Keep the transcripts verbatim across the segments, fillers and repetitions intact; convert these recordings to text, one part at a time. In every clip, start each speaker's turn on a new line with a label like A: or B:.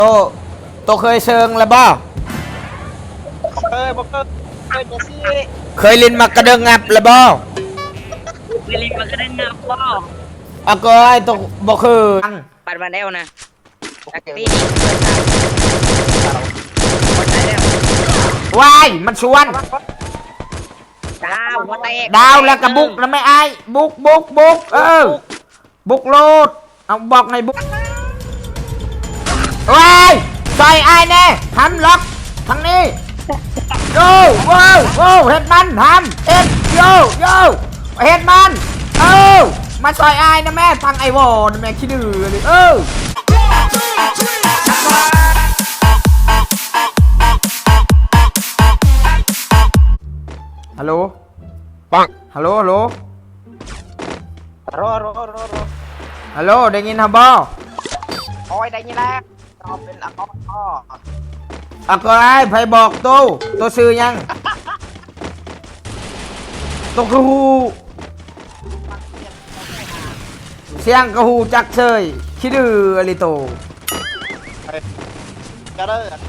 A: โตโตเคยเชิงแล้วบ่
B: เคยบอกเคยเคยจะซี่
A: เคยลินมากระเดิงงับแล้วบ่
C: เคยลินมากระเดิงงับบ่
A: อะก็ไอ้โตบ่เคย
C: ปัดมาแล้วนะตักตีหมดแล้ว
A: วายมันชวน
C: ดาวหัวแตก
A: ดาวแล้วก็บุกแล้วไม่ไอ้บุกบุกบุกเออบุกโลดเอาบอกในบุกวายใส่ไอ้แน่ทำล็อกทางนี้โย่โว้โว้เฮ็ดมันทำเอ็ดโย่โย่เฮ็ดมันเออมาใส่ไอ้นะแม่ทางไอ้วอนะแม่ขี้ดื้อเลยเออฮัลโหลปังฮัลโหลฮัลโหล
B: รอรอรอรอ
A: ฮัลโหลได้ยินฮะบ่
B: โอ้ยได้ยินแล้วตอบเป็นอะกออ้อ
A: อะก็ไอ้ไผบอกโตโตซื้อยังโตคือฮูเสียงกระหูจักเชยขี้ดื้ออะไรโต
B: กระเด้อ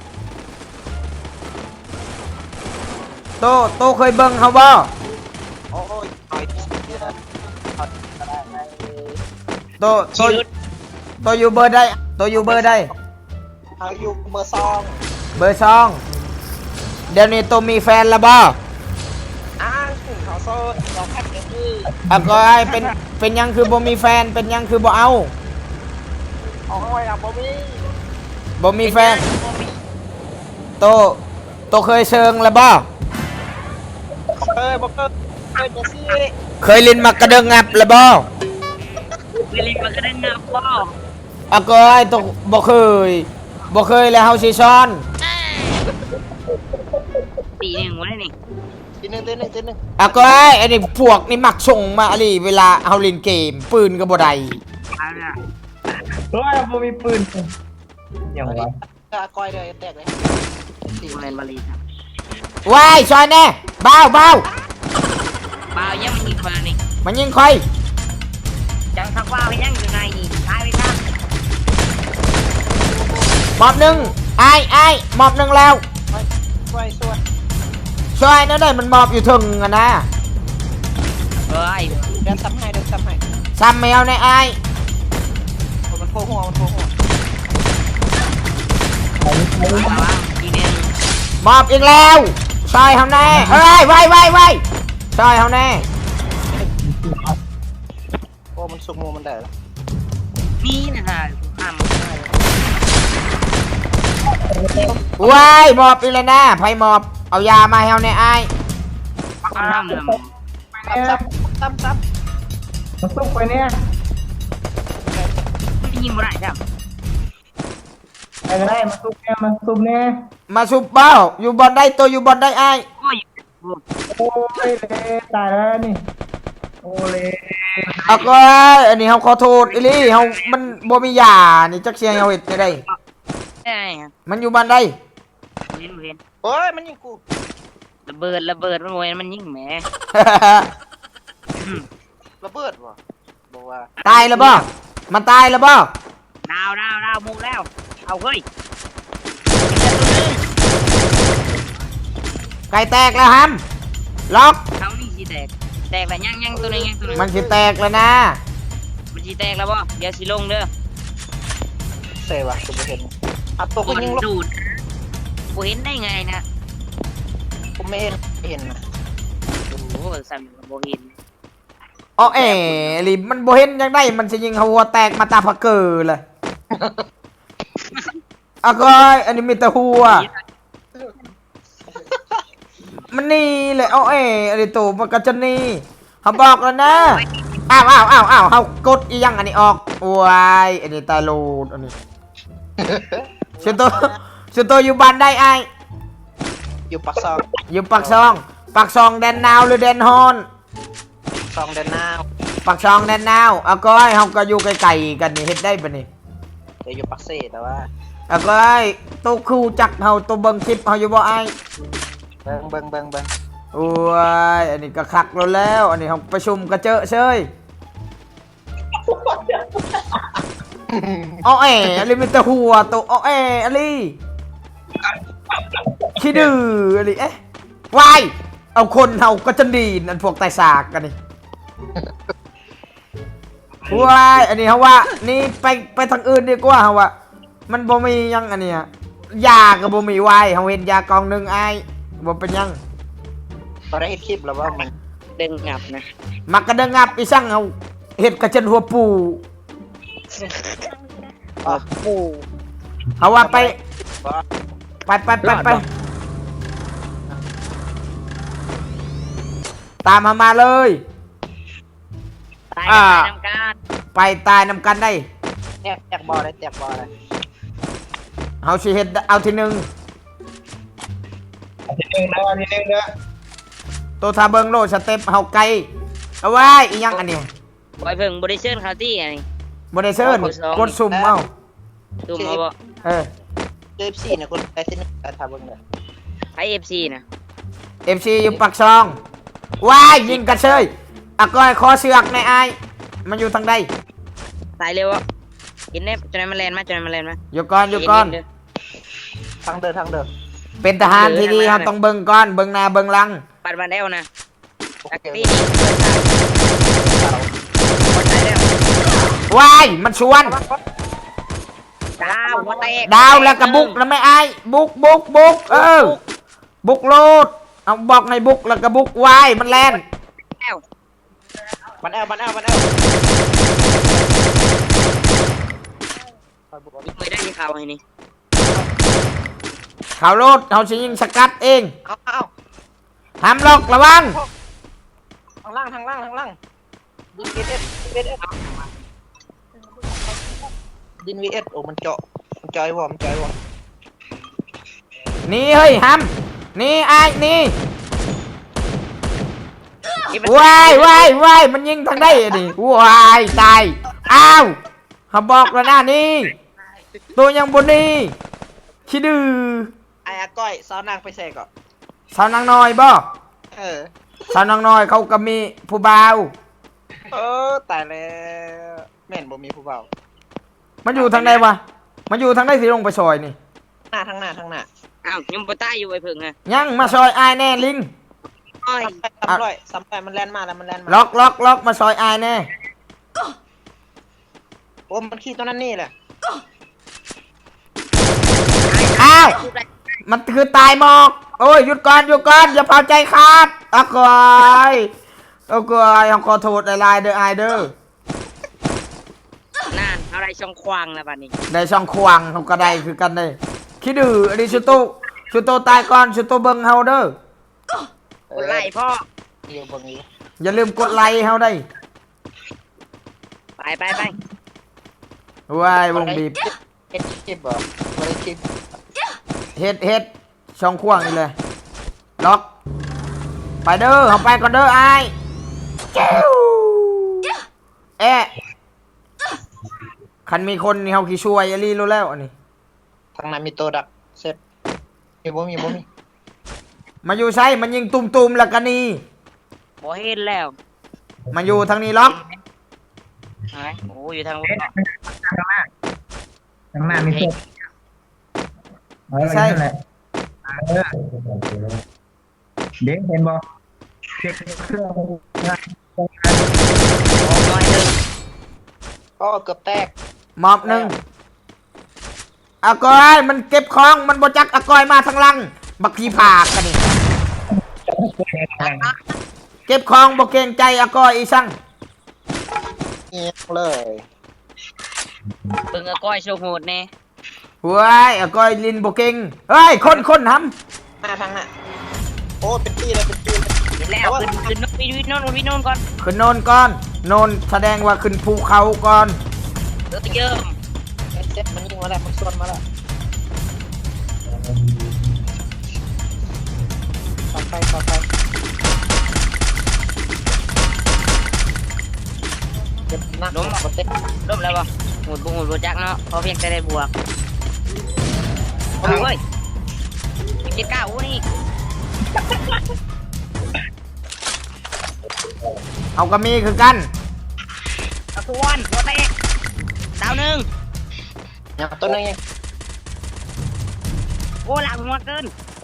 A: โตโตเคยเบิ่งเขาบ่
B: โอ้ยต่อย
A: โตโตโตอยู่เบอร์ใดโตอยู่เบอร์ใด
B: เขาอยู่เบอร์สอง
A: เบอร์สองเดี๋ยวนี้โตมีแฟนแล้วบ่
B: อ้างถึงเขาโซ่เราแพ็กเกจคือ
A: อะก็ไอ้เป็นเป็นยังคือบ่มีแฟนเป็นยังคือบ่เอา
B: โอ้ยอะบ่มี
A: บ่มีแฟนโตโตเคยเชิงแล้วบ่
B: เคยบอกเคยเคยจะซี่
A: เคยลินมากระเดิงงับแล้วบ่
C: เคยลินมากระเดิงงับบ่
A: อะก็ไอ้โตบ่เคยบ่เคยแล้วเฮาสิซ้อน
C: ตีหนึ่งวะนี่
B: ทีนึงทีนึงทีนึง
A: อะก็ไอ้อันนี้พวกนี่มักส่งมาอะไรเวลาเฮาเล่นเกมปืนก็บ่ได้
D: โอ้ยบ่มีปืนอย่างวะ
B: อะก้อยเลยแตกเลย
C: ตีแมนบาลีครับ
A: ว้ายซอยแน่บ้าวบ้าว
C: บ่าวยังมันยิงมานี่
A: มันยิงค่อย
C: จังทักว่าวยังอยู่ในนี่ตายไปครับ
A: หมอบหนึ่งไอ้ไอ้หมอบหนึ่งแล้ว
B: ช่วยช่วย
A: ช่วยนั่นได้มันหมอบอยู่ถึงอะนะ
C: เฮ้ย
B: เดินซ้ำให้เดินซ้ำให้
A: ซ้ำแมวในไอ้
B: มันโผล่หัวมันโผล่หัว
C: ทีนึง
A: หมอบอีกแล้วซอยเฮาแน่เอ้ยไว้ไว้ไว้ซอยเฮาแน่
B: โอ้มันสุกโมมันได้แล้ว
C: นี่นะฮะทำ
A: ว้ายหมอบอีกแล้วนะไผหมอบเอายามาให้เฮาแน่ไอ้
C: ทำเลย
B: ซับซับซับ
D: มันซุกไปเนี่ย
C: ไม่ยิงบ่ได้ครับ
D: ไปก็ได้มาซุกเนี่ยมาซุกเนี่ย
A: มาซุปเป้าอยู่บอลได้ตัวอยู่บอลได้ไอ้
C: โอ้ย
D: โอ้ยเลยตายแล้วนี่โอ้เลย
A: อะก็อันนี้เฮาขอโทษอีหลีเฮามันบ่มียานี่จักเสียงเฮาเฮ็ดได้
C: ได้
A: มันอยู่บ้านใด
C: เห็นเห็น
B: โอ้ยมันยิงกู
C: ระเบิดระเบิดมันโวยมันยิงแหม
B: ระเบิดวะบอกว่า
A: ตายแล้วบ่มันตายแล้วบ่
C: ดาวดาวดาวมุกแล้วเอาเฮ้ย
A: ไก่แตกแล้วฮัมล็อก
C: เขานี่สิแตกแตกแล้วยังยังตัวนึงยังตัวนึง
A: มันสิแตกแล้วนะ
C: มันสิแตกแล้วบ่เดี๋ยวสิลงเด้อ
B: เซ่วะกูไม่เห็นอัดตัวกูยิงลง
C: ดูดกูเห็นได้ไงนะ
B: กูไม่เห็นไม่เห็นนะ
C: โอ้โหสั่นบ่เห็น
A: อ๋อเอ๋ลิมันบ่เห็นยังได้มันสิยิงหัวแตกมาตาพักเกอร์เลยอะก็อันนี้มีแต่หัวมันนี่เลยเอาเอ๋อันนี้ตัวมันก็จะนี่เขาบอกแล้วนะอ้าวอ้าวอ้าวอ้าวเขากดอียังอันนี้ออกวายอันนี้ตายโลดอันนี้ชุดตัวชุดตัวอยู่บ้านได้ไอ
B: อยู่ปักซอง
A: อยู่ปักซองปักซองแดนนาวหรือแดนฮอน
B: ซองแดนนาว
A: ปักซองแดนนาวเอาก็ให้เขาก็อยู่ไกลๆกันนี่เฮ็ดได้ปะนี่
B: จะอยู่ปักเซ่แต่ว่า
A: เอาก็ให้ตัวคู่จักเขาตัวเบิ้งคลิปเขาอยู่บ่ไอ
B: เบิ้งเบิ้งเบิ้งเบิ้ง
A: โอ้ยอันนี้ก็คักแล้วแล้วอันนี้เขาประชุมกระเจาะเชยอ้อแออะไรมีแต่หัวตัวอ้อแออะไรขี้ดื้ออะไรเอ๊ะวายเอาคนเฮาก็จะดีนอันพวกไตสากกันนี่วายอันนี้เขาว่านี่ไปไปทางอื่นดีกว่าเขาว่ามันบ่มียังอันเนี้ยยากับบ่มีวายเขาเห็นยากองหนึ่งไอ้บ่เป็นยัง
B: ตอนได้เห็นคลิปแล้วว่ามัน
C: ดึงงับนะ
A: มักกระเดงับอีสั่งเขาเห็ดกระเจนหัวปู
B: อ๋อปู
A: เขาว่าไป
B: ว่า
A: ไปไปไปไปตามมามาเลย
C: ตายกันตายน้ำการ
A: ไปตายนำกันได้
B: แตกแตกบอลเลยแตกบอลเลย
A: เขาสิเห็ดเอาทีหนึ่ง
D: ทีหนึ่งนะทีหนึ่งเด้อ
A: ตัวทาเบิงโลดสเต็ปเฮาไกลเอาไว้อีหยังอันเนี้ย
C: บอยเพิ่งบริเชิญเขาที่ไง
A: บริเซิร์นกดสุ่มเอา
C: ตูมเอาบ่
A: เออ
B: เจฟซีเนี่ยคนไปที่นึงแต่ทำเบิ่งเลย
C: ไอเอฟซีนะ
A: เอฟซีอยู่ปักซองว้ายยิงกระเชยอะก้อยคอเสือกในไอายมันอยู่ทางใด
C: ตายเร็วอ่ะกินได้จนมันแลนมาจนมันแลนมา
A: อยู่ก่อนอยู่ก่อน
B: ทางเดินทางเดิน
A: เป็นทหารที่ดีเขาต้องเบิ่งก่อนเบิ่งหน้าเบิ่งหลัง
C: ปัดมาแล้วนะ
B: โอ
C: ตัก
B: เค
C: ตี้หมดตายแล้ว
A: ว้ายมันชวน
C: ดาวหัวแตก
A: ดาวแล้วก็บุกแล้วไม่ไอายบุกบุกบุกเออบุกโลดเอาบอกในบุกแล้วก็บุกว้ายมันแลน
C: แล้ว
B: มันแอลมันแอลมันแอล
C: ไม่ได้ที่เขาไอ้นี่
A: เขาโลดเขาสิยิงสกัดเอง
B: เอาเอา
A: ห้ามล็อกระวัง
B: ทางล่างทางล่างทางล่างดินวีเอสดินวีเอสดินวีเอสโอ้มันเจาะมันจอยวอมันจอยวอ
A: นี่เฮ้ยห้ามนี่ไอ้ายนี่ว้ายว้ายว้ายมันยิงทางได้ดิว้ายตายอ้าวเขาบอกแล้วนะนี่ตัวยังบนนี่ขี้ดื้อ
B: ไอ้อาก้อยซ้อนนางไปเสกก่อน
A: สาวนางน้อยบ่
B: เออ
A: สาวนางน้อยเขาก็มีผู้บ่าว
B: เออตายแล้วแม่นบ่มีผู้เบา
A: มันอยู่ทางใดวะมันอยู่ทางใดสิลงไปซอยนี่
B: หน้าทางหน้าทางหน้า
C: อ้าวยังปตายอยู่ไอ้เพิ่งไง
A: ยังมาซอยอายแน่ลิง
C: อ้อย
B: ซ้ำร้อยซ้ำร้อยมันแล่นมาแล้วมันแล่นมา
A: ล็อกล็อกล็อกมาซอยอายแน่
B: โอ้มันขี้ตัวนั้นนี่แหละ
A: อ้าวมันคือตายหมอกโอ้ยหยุดก่อนหยุดก่อนอย่าเผาใจขาดอะกอยอะกอยขอโทษหลายๆเด้ออายเด้อ
C: นั่นอะไรช่องควางแล้วบัดนี้
A: ได้ช่องควางเขาก็ได้คือกันเลยคิดดื้ออันนี้ชุโตชุโตตายก่อนชุโตเบิ่งเฮาเด้อ
C: คนไล่พ่อ
B: เดี๋ยวเบิ่งนี้
A: อย่าลืมกดไลค์เฮาได้
C: ไปไปไป
A: ว้ายวงบีบ
B: เฮ็ดคลิปบ่บ่ได้คลิป
A: เฮ็ดเฮ็ดช่องควางนี่เลยล็อกไปเด้อเฮาไปก่อนเด้ออายจิ้วเอ๊ะคันมีคนนี่เฮาขี้ช่วยอย่าลีรู้แล้วอันนี้
B: ทางนั้นมีตัวดักเสร็จมีบ่มีบ่มี
A: มาอยู่ใช่มันยิงตุ่มๆแล้วกันนี่
C: บ่เห็นแล้ว
A: มาอยู่ทางนี้ล็อก
C: ไอ้โอ้อยู่ทาง
D: ข้างหน้ามีศพเออนั่นแหละเออเด็กเห็นบ่เด็กเครื่อง
C: น้อยหนึ่ง
B: อ๋อเกือบแตก
A: มอบหนึ่งอากอยมันเก็บของมันบจักอากอยมาทางหลังบักขี้ผากกันนี่เก็บของบ่เกรงใจอากอยอีสั่ง
B: เงียบเลย
C: เบิ่งเอาก้อยโชว์โหดแน่
A: เว้ยอากอยลินบ่เก่งเฮ้ยคนคนท
B: หน้าทางหน้าโอ้เป็นตีเลยเป็นตีเลย
C: เดี๋ยวแล้วขึ้นขึ้นวินวินโน่นวินโน่นก่อน
A: ำขึ้นโนนก่อนโนนแสดงว่าขึ้นภูเขาก่อน
C: เดี๋ยวเยิ่ม
B: เซ็ตมันยิงมาแล้วมันส่วนมาแล้วต่อไปต่อไปเจ็บหนักล้มหมดเต็ม
C: ล้มแล้วบ่หมุดบุหมุดบจักเนาะพอเพียงแต่ได้บวกโอ้ยเว้ยเจ็ดเก้าอู้นี่
A: เอาก็มีคือกัน
C: ตะกวนหัวแตกดาวหนึ่ง
B: อย่างตัวนึงยัง
C: โอ้หลังหัวเกิน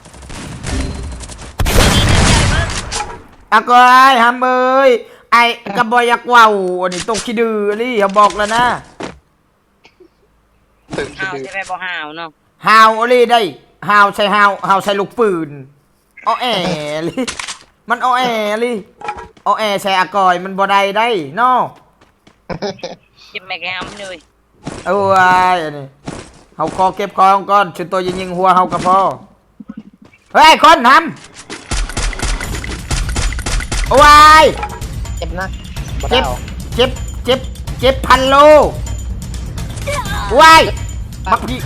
A: อะก็ไอ้ฮัมเอ้ยไอ้กระบอยากว่าวอันนี้ตกขี้ดื้อนี่อย่าบอกแล้วนะ
B: ตึก
C: หาวใช่ไหมบ่หาวเนาะ
A: ฮาวอะไรได้ฮาวใส่ฮาวฮาวใส่ลูกปืนอ้อแอลิมันอ้อแอลิอ้อแอใส่อากอยมันบ่ได้ได้เนาะ
C: เก็บแม่แกมเลย
A: เอาไว้อันนี้เฮาคอเก็บของก่อนชุดตัวยิงยิงหัวเฮากระพอเฮ้ยคนทำเอาไว้
B: เจ็บนะบ่
A: เจ็
B: ได้
A: บ
B: เอา
A: เจ็บเจ็บเจ็บพันโลไว้บักพี่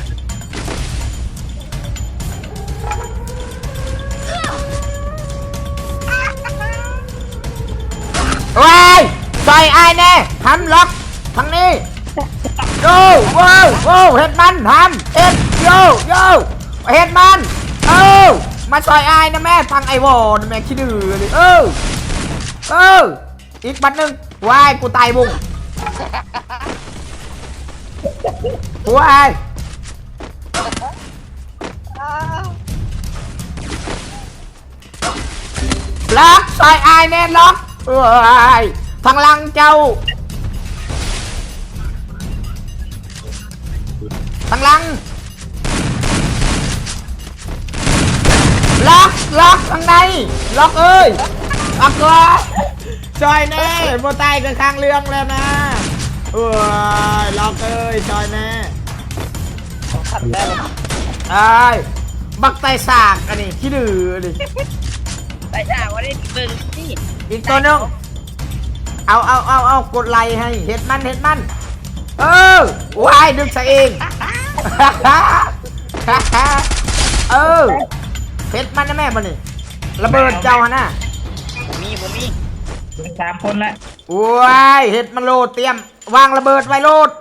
A: ไว้ซอยไอ้แน่ทำล็อกทางนี้โย่โว้โว้เฮ็ดมันทำเอ็ดโย่โย่เฮ็ดมันเออมาซอยไอ้นะแม่ฟังไอ้วอนะแม่ขี้ดื้อเลยเออเอออีกบัดหนึ่งวายกูตายบุ้งวายล็อกซอยไอ้แน่ล็อกเอ้ยทางหลังเจ้าทางหลังล็อกล็อกทางในล็อกเอ้ยล็อกก่อนซอยแน่โมตายกันข้างเรื่องแล้วนะเอ้ยล็อกเอ้ยซอยแน่
B: ขัดได้เลย
A: ไอ้ยบักไตสากอันนี้ขี้ดื้อดิ
C: ไปจ้าวันนี้เบิ่งนี่
A: อีกตัวหนึงเอาเอาเอาเอากดไลค์ให้เห็ดมันเห็ดมันเออวายดึงซะเอง เออเห็ดมันนะแม่มันนี่ระเบิดเจ้าฮะน่ะ
C: บ่มีบ่มี
D: เป็นสามคนละ
A: วายเห็ดมันโลดเตรียมวางระเบิดไว้โลด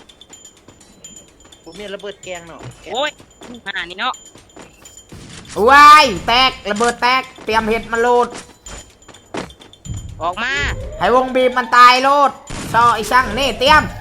B: ผมมีระเบิดแกงเนาะ
C: โอ้ยหานี่เนาะ
A: วายแตกระเบิดแตกเตรียมเห็ดมันโลด
C: ออกมา
A: ให้วงบีบมันตายโลดซอไอ้ช่างนี่เตรียม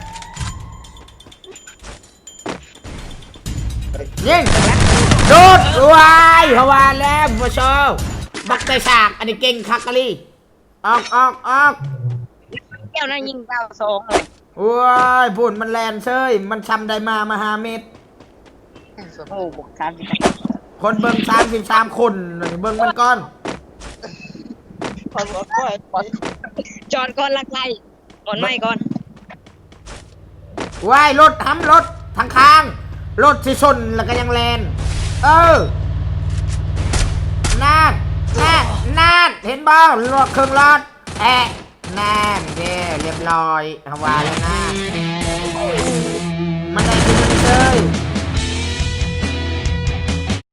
A: ยิงโดดวายฮาวาแล้วผู้ชมบักไตสากอันนี้เก่งคักกะลี่ออกออกออก
C: แก้วนั่นยิงเก้าสองเลย
A: ว้ายพุ่นมันแลนเซยมันช้ำได้มามาหาเม็ด
C: โอ้บวกสามสิบ
A: คนเบิ่งสามสิบสามคนนี่เบิ่งมันก่อน
B: พอบอกก็ไอ้
C: จอดก่อนลักไล่ก่อนไม่ก่อน
A: ว้ายรถทำรถทางข้างรถสิชนแล้วก็ยังแลนเออนั่นนั่นนั่นเห็นบ้างรถเครื่องรถแอะนั่นเด้เรียบร้อยฮาวาแล้วนะ